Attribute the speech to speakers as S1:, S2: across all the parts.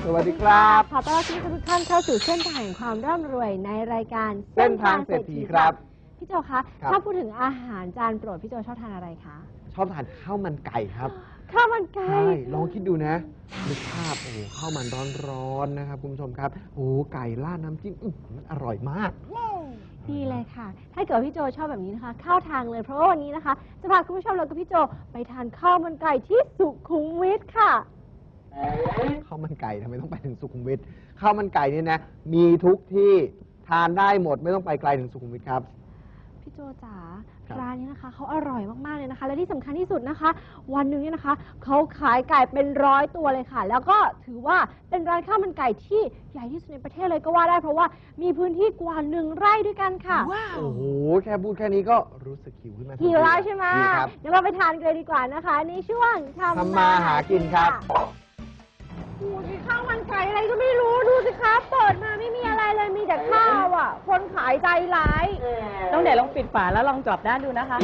S1: สวัสดีครับ
S2: ขอต้อนรับทุกท่านเข้าสู่เส้นทางแห่งความร่ำรวยในรายการ
S1: เส้นทางเศรษฐีครับ
S2: พี่โจคะถ้าพูดถึงอาหารจานโปรดพี่โจชอบทานอะไรคะ
S1: ชอบทานข้าวมันไก่ครับ
S2: ข้าวมันไก่
S1: ใช่ลองคิดดูนะนึกภาพโอ้ข้าวมันร้อนๆนะครับคุณผู้ชมครับโอ้ไก่ราดน้ำจิ้มมันอร่อยมาก
S2: ดีเลยค่ะถ้าเกิดพี่โจชอบแบบนี้นะคะเข้าทางเลยเพราะว่าวันนี้นะคะจะพาคุณผู้ชมแล้วก็พี่โจไปทานข้าวมันไก่ที่สุขุมวิทค่ะ
S1: ข้าวมันไก่ทำไมต้องไปถึงสุขุมวิทข้าวมันไก่เนี่ยนะมีทุกที่ทานได้หมดไม่ต้องไปไกลถึงสุขุมวิทครับ
S2: พี่โจจ๋าร้านนี้นะคะเขาอร่อยมากๆเลยนะคะและที่สำคัญที่สุดนะคะวันหนึ่งเนี่ยนะคะเขาขายไก่เป็น100 ตัวเลยค่ะแล้วก็ถือว่าเป็นร้านข้าวมันไก่ที่ใหญ่ที่สุดในประเทศเลยก็ว่าได้เพราะว่ามีพื้นที่กว่า1 ไร่ด้วยกันค่ะ
S1: โอ้โหแค่พูดแค่นี้ก็รู้สึกหิวขึ้นมา
S2: หิวแล้วใช่ไหมเดี๋ยวเราไปทานกันเลยดีกว่านะคะในช่วง
S1: ทำมาหากินครับ
S2: ดูสิข้าวมันไก่อะไรก็ไม่รู้ดูสิคะเปิดมาไม่มีอะไรเลยมีแต่ข้าวอ่ะคนขายใจร้าย
S3: ต้องเดี๋ยวลองปิดฝาแล้วลองกรอบด้านดูนะคะ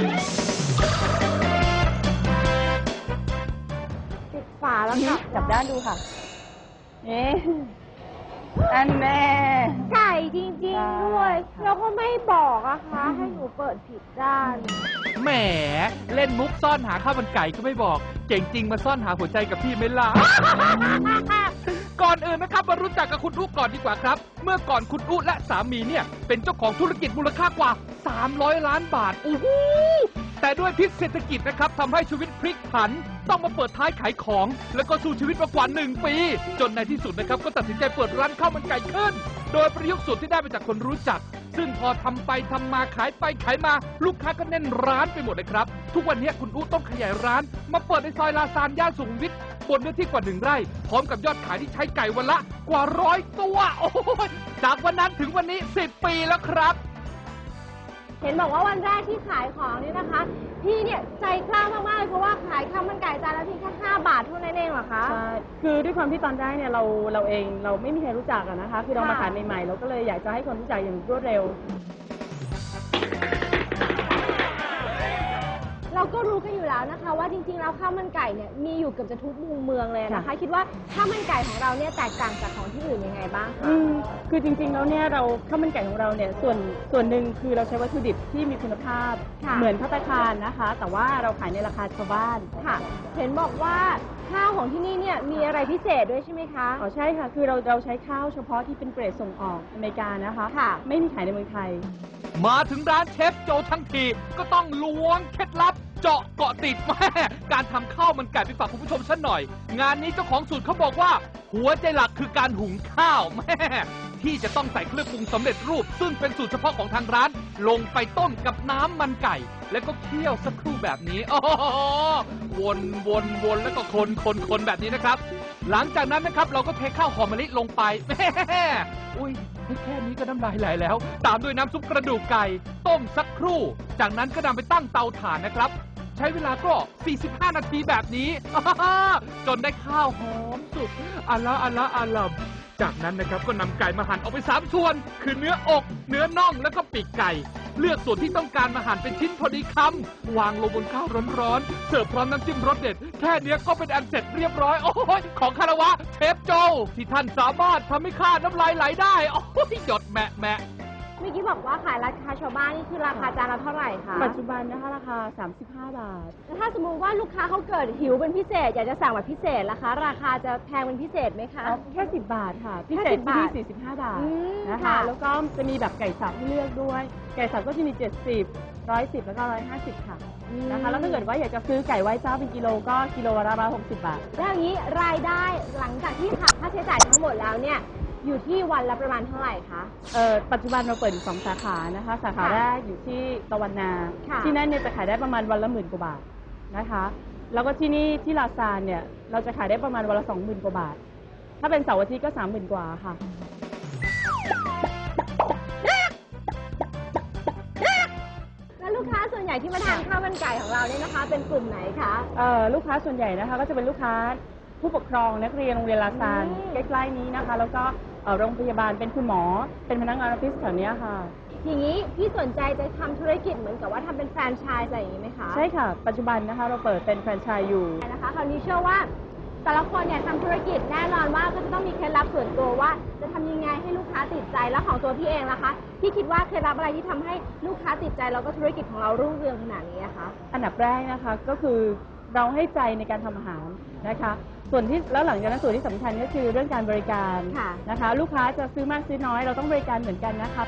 S2: ปิดฝาแล้วค่ะ
S3: จับด้านดูค่ะนี่อันแน่
S2: ไก่จริงๆด้วยแล้วก็ไม่บอกอะคะให้หนูเปิดผิดด้าน
S4: แหมเล่นมุกซ่อนหาข้าวมันไก่ก็ไม่บอกเก่งจริงมาซ่อนหาหัวใจกับพี่ไม่ล่ะ ก่อนอื่นนะครับมารู้จักกับคุณอุ๊ก่อนดีกว่าครับเมื่อก่อนคุณอุ๊และสามีเนี่ยเป็นเจ้าของธุรกิจมูลค่ากว่า300 ล้านบาทอู้หูแต่ด้วยพิษเศรษฐกิจนะครับทำให้ชีวิตพลิกผันต้องมาเปิดท้ายขายของแล้วก็สู้ชีวิตมากว่า1 ปีจนในที่สุดนะครับก็ตัดสินใจเปิดร้านข้าวมันไก่ขึ้นโดยประยุกต์สูตรที่ได้มาจากคนรู้จักซึ่งพอทำไปทำมาขายไปขายมาลูกค้าก็แน่นร้านไปหมดเลยครับทุกวันนี้คุณอุ๊ต้องขยายร้านมาเปิดในซอยลาซานย่านสุขุมวิทบนเนื้อที่กว่า1 ไร่พร้อมกับยอดขายที่ใช้ไก่วันละกว่า100 ตัวโอ้ยจากวันนั้นถึงวันนี้10 ปีแล้วครับ
S2: เห็นบอกว่าวันแรกที่ขายของนี่นะคะพี่เนี่ยใจกล้ามากๆเพราะว่าขายข้าวมันไก่จานละเพียงแค่5 บาทเท่านั้นเองเหรอคะ
S3: ใช่คือด้วยความที่ตอนแรกเนี่ยเราเองเราไม่มีใครรู้จักนะคะคือเรามาขายใหม่ๆเราก็เลยอยากจะให้คนรู้จักอย่างรวดเร็ว
S2: เราก็รู้กันอยู่แล้วนะคะว่าจริงๆแล้วข้าวมันไก่เนี่ยมีอยู่เกือบจะทุกมุมเมืองเลยนะคะคิดว่าข้าวมันไก่ของเราเนี่ยแตกต่างจากของที่อื่นยังไงบ้างคะ
S3: คือจริงๆแล้วเนี่ยเราข้าวมันไก่ของเราเนี่ยส่วนหนึ่งคือเราใช้วัตถุดิบที่มีคุณภาพเหมือนภัตตาคารนะคะแต่ว่าเราขายในราคาชาวบ้าน
S2: ค่ะเห็นบอกว่าข้าวของที่นี่เนี่ยมีอะไรพิเศษด้วยใช่ไหมคะ
S3: อ๋อใช่ค่ะคือเราใช้ข้าวเฉพาะที่เป็นเกรดส่งออกอเมริกานะคะไม่มีขายในเมืองไทย
S4: มาถึงร้านเชฟโจทั้งทีก็ต้องล้วงเคล็ดลับเจาะเกาะติดแม่การทำข้าวมันไก่ไปฝากคุณผู้ชมสักหน่อยงานนี้เจ้าของสูตรเขาบอกว่าหัวใจหลักคือการหุงข้าวแม่ที่จะต้องใส่เครื่องปรุงสำเร็จรูปซึ่งเป็นสูตรเฉพาะของทางร้านลงไปต้มกับน้ำมันไก่แล้วก็เคี่ยวสักครู่แบบนี้อ๋อวนแล้วก็คนแบบนี้นะครับหลังจากนั้นนะครับเราก็เทข้าวหอมมะลิลงไปแม่อุ้ยแค่นี้ก็น้ำลายไหลแล้วตามด้วยน้ำซุปกระดูกไก่ต้มสักครู่จากนั้นก็นำไปตั้งเตาถ่านนะครับใช้เวลาก็45 นาทีแบบนี้จนได้ข้าวหอมสุกอัลละจากนั้นนะครับก็นำไก่มาหั่นออกเป็น3 ส่วนคือเนื้ออกเนื้อน่องแล้วก็ปีกไก่เลือกส่วนที่ต้องการมาหั่นเป็นชิ้นพอดีคำวางลงบนข้าวร้อนๆเสิร์ฟพร้อมน้ำจิ้มรสเด็ดแค่นี้ก็เป็นอันเสร็จเรียบร้อยโอ้ยของคารวะเชฟโจที่ท่านสามารถทำให้ข้าน้ำลายไหลได้โอ้ยหยดแมะ
S2: เมื่อกี้บอกว่าขายราคาชาวบ้านนี่คือราคาจานละเท่าไหร่คะ
S3: ปัจจุบันนะคะราคา35 บาท
S2: แล้วถ้าสมมุติว่าลูกค้าเขาเกิดหิวเป็นพิเศษอยากจะสั่งแบบพิเศษล่ะคะราคาจะแพงเป็นพิเศษไหมคะ
S3: แค่10 บาทค่ะพิเศษที่45 บาทนะคะแล้วก็จะมีแบบไก่สับให้เลือกด้วยไก่สับก็จะมี70 110แล้วก็150ค่ะนะคะแล้วถ้าเกิดว่าอยากจะซื้อไก่ไว้เจ้าเป็นกิโลก็กิโลละ160 บาท
S2: แล้วอย่างนี้รายได้หลังจากที่หักค่าใช้จ่ายทั้งหมดแล้วเนี่ยอยู่ที่วันละประมาณเท่าไหร่คะ
S3: ปัจจุบันเราเปิดอยู่2 สาขานะคะสาขาแรกอยู่ที่ตะวันนาที่นั่นเนี่ยจะขายได้ประมาณวันละ10,000 กว่าบาทนะคะแล้วก็ที่นี่ที่ลาซานเนี่ยเราจะขายได้ประมาณวันละ 20,000 กว่าบาทถ้าเป็นเสาร์อาทิตย์ก็ 30,000 กว่าค่ะ
S2: แล้วลูกค้าส่วนใหญ่ที่มาทานข้าวมันไก่ของเราเนี่ยนะคะเป็นกลุ่มไหนคะ
S3: ลูกค้าส่วนใหญ่นะคะก็จะเป็นลูกค้าผู้ปกครองนักเรียนโรงเรียนลาซานใกล้ๆนี้นะคะแล้วก็โรงพยาบาลเป็นคุณหมอเป็นพนักงานออฟฟิศแถวนี้ค่ะ
S2: อย่างนี้พี่สนใจจะทำธุรกิจเหมือนกับว่าทำเป็นแฟรนไชส์อะไรอย่างนี้ไหมคะ
S3: ใช่ค่ะปัจจุบันนะคะเราเปิดเป็นแฟรนไชส์อยู่
S2: นะคะคราวนี้เชื่อว่าแต่ละคนเนี่ยทำธุรกิจแน่นอนว่าก็จะต้องมีเคล็ดลับส่วนตัวว่าจะทำยังไงให้ลูกค้าติดใจแล้วของตัวพี่เองล่ะคะพี่คิดว่าเคล็ดลับอะไรที่ทำให้ลูกค้าติดใจแล้วก็ธุรกิจของเรารุ่งเรืองขนาดนี้คะ
S3: อันดับแรกนะคะก็คือเราให้ใจในการทำอาหารนะคะส่วนที่แล้วหลังจากนั้นส่วนที่สำคัญก็คือเรื่องการบริการนะคะลูกค้าจะซื้อมากซื้อน้อยเราต้องบริการเหมือนกันนะคะ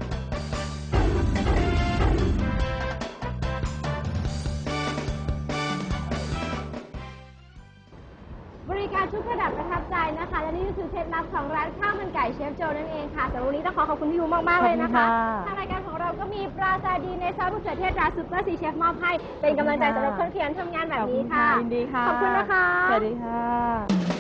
S2: บริการทุกระดับประทับใจนะคะและนี่ก็คือเคล็ดลับของร้านข้าวมันไก่เชฟโจนั่นเองค่ะสำหรับวันนี้ต้องขอบคุณพี่ยูมากๆเลยนะคะทางรายการของเราก็มีปลาซาดีในซอสมะเขือเทศตราซุปเปอร์ซีเชฟมอบให้เป็นกำลังใจสำหรับคนขยันทำงานแบบนี้ค่ะ
S3: ยินดีค่ะ
S2: ขอบคุณนะคะ
S3: สวัสดีค่ะ